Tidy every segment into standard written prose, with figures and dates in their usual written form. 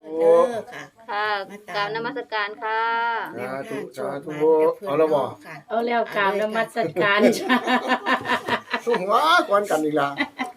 โอ้ค่ะค่ะกราบนมัสการค่ะแนวทางโชคสาธุมันกับเพื่อนเอาละบ่น้องค่ะเอาแล้วกราบนมัสการจ้าสู้หัวก่อนกันอีกล่ะ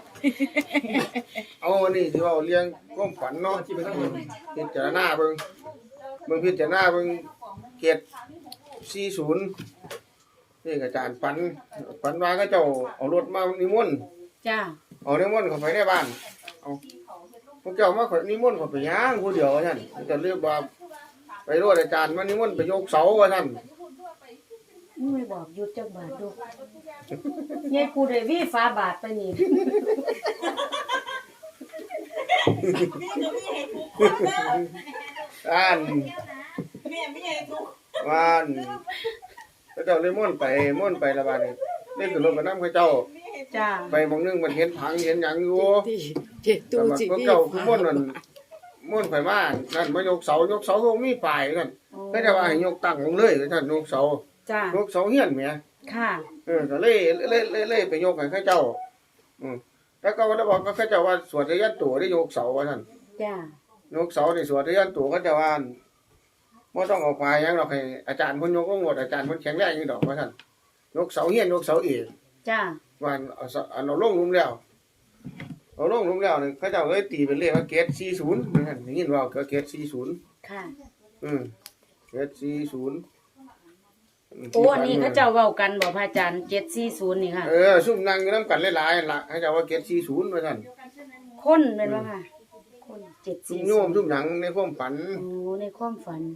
เอาวันนี้ที่ว่าเลี้ยงความฝันเนาะพิจารณาเบิ่งพิจารณาเบิ่งเกต40นี่อาจารย์ฝันว่าเขาเจ้าเอารถมานิมนต์จ้าเอานิมนต์เข้าไปในบ้านเอาพวกเจ้ามาขอนิมนต์เข้าไปย่างผู้เดียวว่าซั่นจะเรียกว่าไปรถอาจารย์มานิมนต์ไปยกเสาว่าซั่นไม่บอกหยุดจักบาทดูยายกูได้วีฟ้าบาทไปนี่อ่านว่านเขาเจ้าเลยม่วนไปละบาดนี้นี่คือรถกับน้ำเขาเจ้าจ้าไปหมองนึงมันเห็นผังเห็นหยังอยู่เจ็ดแต่ตู้ว่าจีพวกเจ้าคือม่วนนั่นม่วนไปบ้านนั่นมายกเสาก็มีป้ายนั่นก็จะว่าให้ยกตั้งลงเลยท่านยกเสาจ้ายกเสาเฮียนแหมค่ะก็เลยไปยกให้เขาเจ้าแล้วก็ว่าบอกก็เขาเจ้าว่าสวดทะยันตัวได้ยกเสาว่าท่านจ้ายกเสานี่สวดทะยันตัวเขาเจ้าว่าบ่ต้องเอาควายหยังดอกให้อาจารย์เพิ่นยกลงหมดอาจารย์เพิ่นแข็งแรงอยู่ดอกว่าท่านยกเสาเฮียนยกเสาเอกจ้าว่าเอาลงหลุมแล้วเอาลงหลุมแล้วนี่เขาเจ้าเลยตีเป็นเลขว่าเกรด40นั่นได้ยินว่าเกรด40 ค่ะเกรด40 โอ้อันนี้เขาเจ้าเว้ากันบ่พระอาจารย์740นี่ค่ะซุ่มนั่งอยู่นำกันหลายๆล่ะเขาเจ้าว่าเกรด40ว่าซั่นคนแม่นบ่ค่ะคนซุ่มโยม 740 ซุ่มหยังในความฝันโอ้ในความฝัน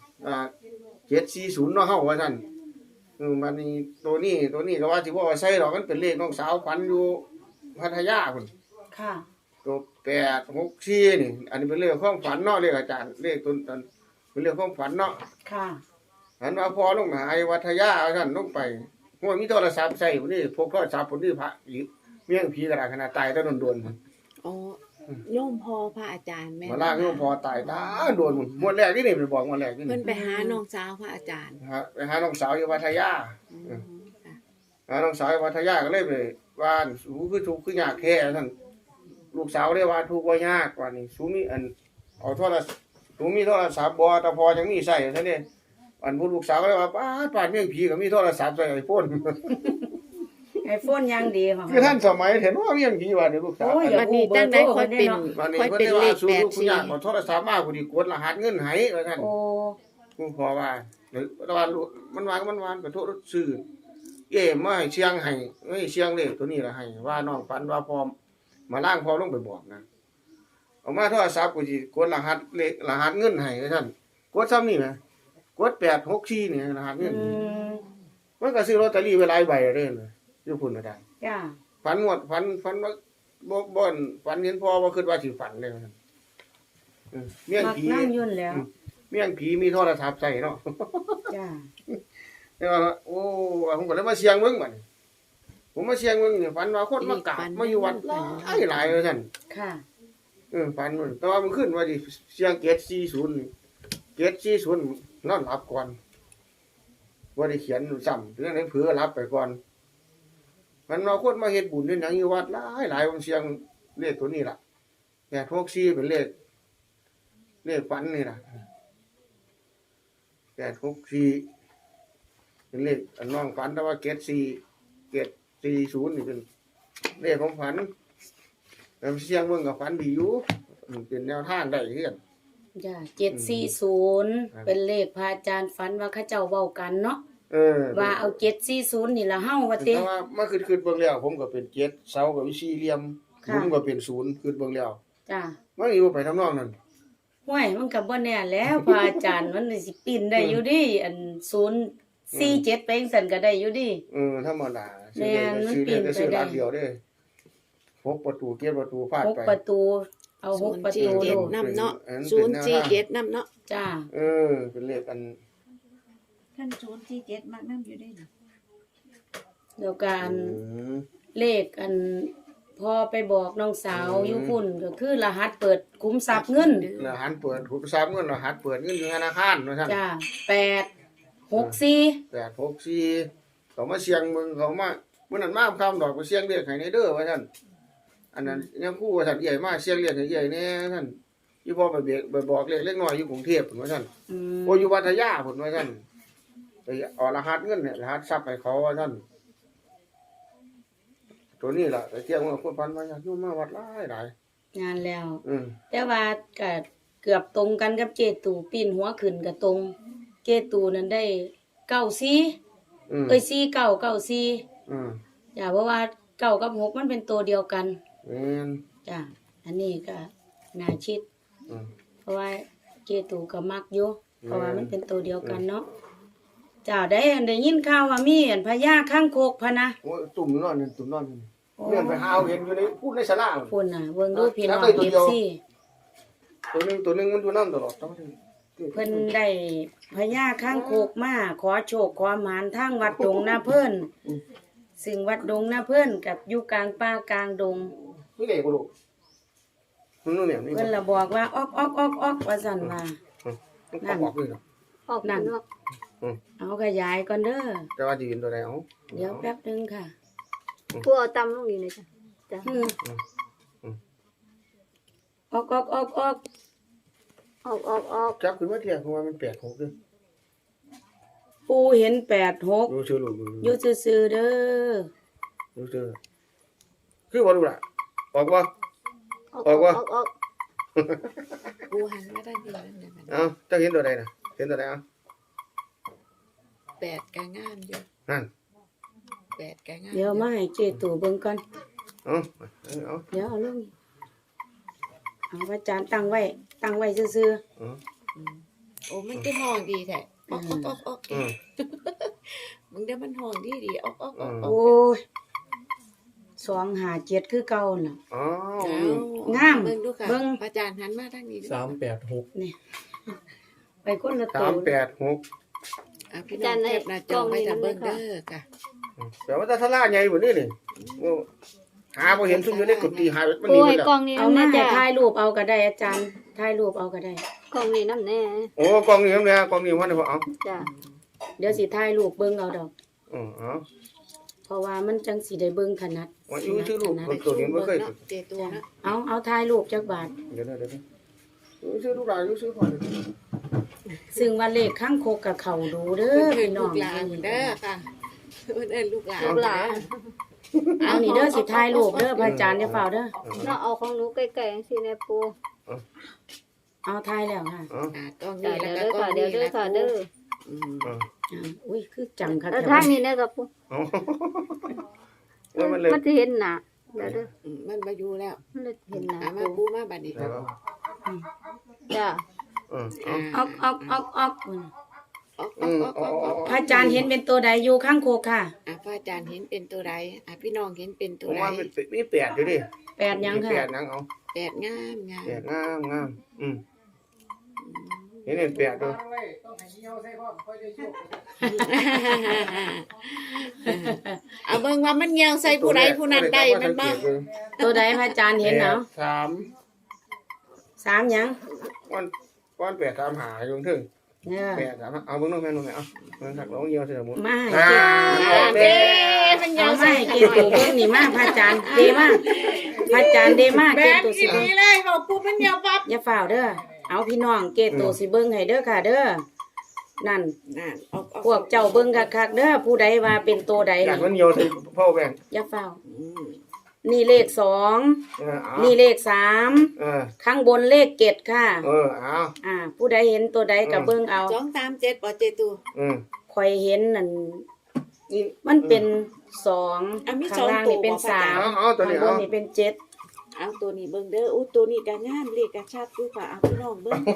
740เนาะเฮาว่าซั่นมันนี่ตัวนี้ก็ว่าสิบ่เอาใส่ดอกมันเป็นเลขน้องสาวฝันอยู่พัทยาพุ่นค่ะตัว864นี่อันนี้เป็นเลขความฝันเนาะเลขอาจารย์เลขต้นเป็นเลขความฝันเนาะค่ะหันว่าพอลงมาไอ้วัทยาท่านลงไปหัวมีโทรศัพท์ใส่พุ่นนี่พกโทรศัพท์พุ่นนี่พระอีกเมี่ยงผีกระดาษขนาดตายตะโดนๆพุ่นอ๋อโยมพอพระอาจารย์แม่มาล่างโยมพอตายตาโดนพุ่นหมดแรกนี่ไปบอกหมดแรกนี่เพิ่นไปหาน้องสาวพระอาจารย์ฮะไปหาน้องสาวอยู่วัทยาค่ะหาน้องสาวอยู่วัทยาก็เลยไปว่านสูคือทุกข์คือยากแท้ท่านลูกสาวได้ว่าทุกข์บ่ยากกว่านี่สูมีอันเอาโทรศัพท์สูมีโทรศัพท์บ่แต่พอยังมีใช้ซะเด้อันผู้ลูกสาวก็เลยว่าป้าเมี่ยงผีก็มีโทรศัพท์ใส่ไอโฟนไอโฟนยังดีของคือท่านสมัยเห็นว่าเมี่ยงผีว่านี่ลูกสาวโอ้ยบัดนี้ตั้งได้ค่อยเป็นวันนี้ค่อยเพิ่นเป็นได้เลว่าขสู้ลูกคุณ 84 ยากเอาโทรศัพท์มาผู้ดีกดรหัสเงินให้ว่าท่านโอ้ผู้พ่อว่าหรือว่ามันวานก็โทษซื้อมาให้เชียงให้เชียงเลขตัวนี้ล่ะให้ว่าน้องฝันว่าพร้อมมาล้างพอลงไปบอกนะเอามาโทรศัพท์กูสิกดรหัสเลขรหัสเงินให้ว่าท่านกดซ้ำนี่แหมกด864นี่รหัสเงินอืมมันก็ซื้อลอตเตอรี่ไว้หลายใบเด้ออยู่พุ่นน่ะได้จ้าฝันว่าบ่นฝันเห็นพ่อว่าคิดว่าสิฝันเลยว่าซั่นเมี่ยงมักผีนั่งยุ่นแล้วเมี่ยงผีมีโทรศัพท์ใส่เนาะจ้าแต่ว่าโอ้ผมก็เลยมาเสียงเบิ่งบัดนี้ผมมาเสียงเบิ่งนี่ฝันว่าคนมากราบมาอยู่วัดหลายว่าซั่นค่ะฝันมันแต่ว่ามันขึ้นว่าสิเสียงเกต40นี่เกต40นอนหลับก่อนบ่ได้เขียนซ้ำเรื่องนั้นเผลอหลับไปก่อนมันว่าคนมาเฮ็ดบุญเฮ็ดหยังอยู่วัดหลายผมเสียงเลขตัวนี้ล่ะ864เป็นเลขฝันนี่ล่ะ864เป็นเลขอันน้องฝันแต่ว่าเกต40นี่เป็นเลขของฝันแต่เสียงเบิ่งก็ฝันดีอยู่เป็นแนวทางได้คือกันจ้า740เป็นเลขพระอาจารย์ฝันว่าเขาเจ้าเว้ากันเนาะว่าเอา740นี่ละเฮาว่าติแต่ว่ามาคิดเบิ่งแล้วผมก็เป็น7เสาก็วิสี่เหลี่ยมค่ะผมก็เป็น0คิดเบิ่งแล้วจ้ามันอยู่ไปทำนองนั้นห้วยมันก็บ่แน่แล้วพระอาจารย์มันสิปีนได้อยู่ดิอัน047ไปจังซั่นก็ได้อยู่ดิธรรมดาแม่นมันซื้อปีนได้ไปซื้อได้ร้านเดียวเด้6ประตู7ประตูฟาดหกไปประตูเอาหกประตู 047 ลูกนำเนาะ 047นำเนาะจ้าเป็นเลขอันท่าน047มักนํอยู่ได้นี่แล้วก็อันมเลขอันพอไปบอกน้องสาวอยู่พุ่นก็คือรหัสเปิดคุ้มทรัพย์เงินรหัสเปิดหุบทรัพย์เงินรหัสเปิดเงินอยู่ธนาคารว่าซั่นจ้า864 864เขามาเสียงมึงเขามามื้อนั้นมาคำดอกไปเสียงเลขให้ในเด้อว่าซั่นอันนั้นยังคู่ว่าซั่นใหญ่มาเสียงเลขให้ใหญ่แน่ท่านอีพ่อไปบอกเล็กน้อยอยู่กรุงเทพฯพุ่นว่าซั่นอืมโออยู่วัทยาพุ่นว่าซั่นไปเอารหัสเงินเนี่ยรหัสทรัพย์ให้เขาว่าซั่นตัวนี้ล่ะแต่เที่ยงว่าคนพันว่าอยากอยู่มาวัดหลายงานแล้วๆแต่ว่าก็เกือบตรงกันกับเจตูปีนหัวขึ้นก็ตรง เจตูนั้นได้94เอ้ย4994จ้ะเพราะว่า9กับ6มันเป็นตัวเดียวกันแม่นจ้ะอันนี้ก็น่าชิดอืมเพราะว่าเจตูก็มักอยู่เพราะว่ามันเป็นตัวเดียวกันเนาะจ้าได้ยินข่าวว่ามีอันพญาข้างโคกพะนะโอ้ยตุ่มนอนนี่เลื่อนไปหาเอาเห็นอยู่ในพูดในศาลาพุ่นน่ะเบิ่งดูพี่น้องแล้วได้ตัวเดียว FC ตัวนึงมันอยู่นำตลอดต้องเพิ่นได้พญาข้างโคกมาขอโชคขอหมานทางวัดดงนาเพิ่นซึ่งวัดดงนาเพิ่นกับอยู่กลางป่ากลางดงนี่เลยบ่ลูกมันนู่นเนี่ยนี่เพิ่นละบอกว่าออกว่าซั่นว่ามันบอกเลยเนาะออกนั่นเอาขยายก่อนเด้อแต่ว่าสิเห็นตัวใดเอาเดี๋ยวแป๊บนึงค่ะผู้เอาตำลงนี่เลยจ้ะออกออกจับขึ้นมาเที่ยงเพราะว่ามัน8-6เด้อปูเห็น86 ดูชื่อลูกอยู่ซื่อๆเด้อดูชื่อคือบ่ลูกล่ะออกบ่ออกกูหันมาด้านนี้นั่นเลยมันเอ้าเจ้าเห็นตัวใดน่ะเห็นตัวใดเอ้า 8ก็งามอยู่นั่น 8ก็งามเดี๋ยวมาให้เจตูเบิ่งก่อนเอ้าเดี๋ยวเอาลงเอาพระอาจารย์ตั้งไว้ซื่อโอ้มันก็ห้องดีแท้ออกมึงได้มันห้องดีออกๆโอ้ย257คือเก่าน่ะอ๋องามเบิ่งดูค่ะเบิ่งอาจารย์หันมาทางนี้ดู 386 นี่ไปคนละตัว 386 พี่น้องเก็บหน้าจอไว้ถ้าเบิ่งเด้อค่ะแต่ว่าถ้าทลาใหญ่บ่นี่นี่หาบ่เห็นซุ่มอยู่ในกุฏิหายมันปูนี่หมให้ดแล้วกล้องนี้เอานำมาแน่ให้จ้ะถ่ายรูปเอาก็ได้อาจารย์ถ่ายรูปเอาก็ได้กล้องนี้นำแน่โอ้กองนี้เนี่ยกองนี้มันเอาจ้ะเดี๋ยวสิถ่ายรูปเบิ่งเอาดอกเอาเพราะว่ามันจังสิได้เบิ่งถนัดว่าอยู่ชื่อลูกคนตัวนี้บ่เคยเจตัวนะเอาถ่ายรูปจักบาทเดี๋ยวชื่อลูกหลานชื่อพ่อซึ่งว่าเลขข้างโคกกับเขาดูเด้อเพิ่นพี่น้ลูองกหลานเด้อค่ะเพิ่นเอิ้นลูกหลานลูกหลานเอานี่เด้อสิถ่ายรูปเด้อพระอาจารย์อย่าเฝ้าเด้อเนาะเอาของหนูใกล้ๆจังซี่แน่ปูเอาถ่ายแล้วค่ะกล้องจ้ะนี้แล้วเดี๋ยวก็เด้อกล้องค่ะนี้เดี๋ยวเด้อค่ะเด้ออุ้ยคือจังค่ะแล้วทางนี้แน่กับปูมันเลยมันสิเห็นหน้าเดี๋ยวเด้อมันมาอยู่แล้วมันเลยเห็นหน้ามาปูปูมาบัดนี้จ้ะออกพระอาจารย์เห็นเป็นตัวใดอยู่ข้างโคกค่ะพระอาจารย์เห็นเป็นตัวใดพี่น้องเห็นเป็นตัวผมใดว่ามันมี8อยู่ดิ 8ยังค่ะ 8นังเอา 8งามงาม 8งามเห็น8ตัวเอาเบิ่งว่ามันเหี่ยวใส่ผู้ใดผู้นั้นได้มันบ่ตัวใดพระอาจารย์เห็นเนาะ 3 3ยังก้อน8 3หาอยู่ถึงเนี่ย 8 3เอาเบิ่งน้องแม่น้องแม่เอามันหักลงเหี่ยวใส่หมดมาให้เจเด้มันเหี่ยเอาวมาใส่ให้เจตูเบิ่งนี่มาพระอาจารย์เดมาพระอาจารย์เดมาเจตูสิเบิ่งเลยบอกปุ๊บมันเหี่ยวปั๊บอย่าฝ่าวเด้อ เอาพี่น้องเกตโตสิเบิ่งให้เด้อค่ะเด้อ นั่นนั่นออกพวกเจ้าเบิ่งคักๆเด้อ ผู้ใดว่าเป็นตัวใดอยากมันนี่เหี่ยวใส่พ่อแบ่งอย่าฝ่าว นี่เลข2นี่เลข3ข้างบนเลข7ค่ะเอาผู้ใดเห็นตัวใดก็เบิ่งเอา 2 3 7บ่เจตูข่อยเห็นนั่นมันเป็น2ข้างล่างนี่เป็น3 เอาตัวข้างนี้บเอานนี่เป็น7 เอาตัวนี้เบิ่งเด้ออู้ตัวนี้ก็งามเลขก็ชัดอยู่ค่ะเอาพี่น้องเบิ่ง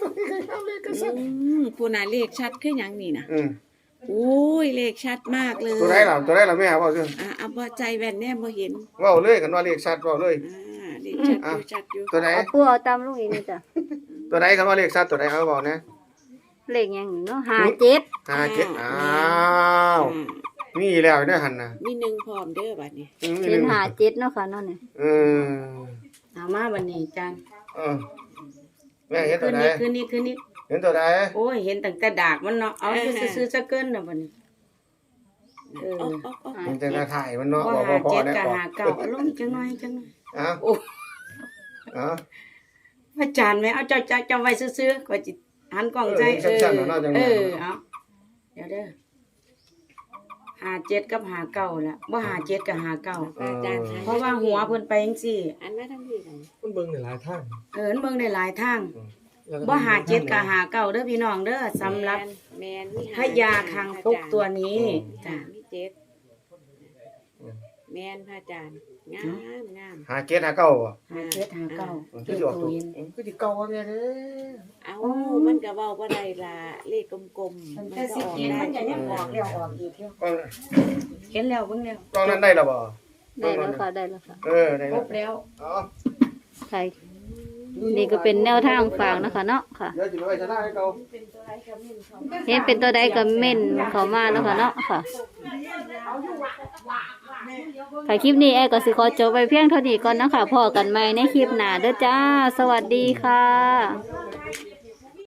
ผู้น่ะเลขชัดคือหยังนี่น่ะโอ้ยเลขชัดมากเลยตัวไหนล่ะแม่บอกซิเอาบ่ใจแว่นแน่บ่เห็นเว้าเลยกันว่าเลขชัดเว้าเลยเลขชัดอยู่ตัวไหนเอาปูเอาตามลงอีกนี่จ้ะตัวไหนกันว่าเลขชัดตัวไหนเอาบอกนะเลขหยังนี่เนาะ57 57อ้าวมีแล้วเด้อหั่นน่ะมีหนึ่งพร้อมเด้อบัดนี้เห็น57เนาะค่ะเนาะนี่เอามาบัดนี้อาจารย์แม่เห็นตัวไหนคืนนี้เห็นตัวไหนโอ้ยเห็นตั้งแต่ดากมันเนาะ เอาซื้อๆซะเกินน่ะบัดนี้哦มันจะถ่ายมันเนาะก็บอกหาพ่อเจ็ดได้กับบอกหาเก้าเอาลงจังหน่อยอ้าวโอ้อ้าวพพระอาจารย์ไหมเอาเจ้าไว้ซื้อๆก็จิหันกล้องใจเอาเดี๋ยวเด้อ57กับ59ล่ะบ่57กับ59 อาจารย์เพราะว่าหัวเพิ่นไปจังซี่อันมาทั้งที่กันมันเบิ่งในหลายทางเบิ่งได้หลายทางแล้วก็บ่57กับ59เด้อพี่น้องเด้อสำหรับแมนมีพญาคางคกตัวนี้จ้ะมีเจ็ดแมนพระอาจารย์งามหาเกตหาเก้าบ่ 57 59 คือสิออกตัวคือสิเก้าว่าแม่เด้อเอามันก็เว้าบ่ได้ล่ะเลขกลมๆมันก็ออกได้มันจะยังออกแล้วออกอีกกล้องเห็นแล้วเบิ่งแล้วกล้องนั้นได้แล้วบ่ได้แล้วค่ะได้แล้วค่ะได้ครแล้วบแล้วอ๋อใช่นี่ก็เป็นแนวทางฝากนะคะเนาะค่ะเดี๋ยวสิไปไว้ชนะให้เขาเห็นเป็นตัวใดก็เม่นเข้ามาแล้วค่ะเนาะค่ะค่ะคลิปนี้แอร์ก็สิขอจบไปเพียงเท่านี้ก่อนนะคะพอกันใหม่ในคลิปหน้าเด้อจ้า สวัสดีค่ะ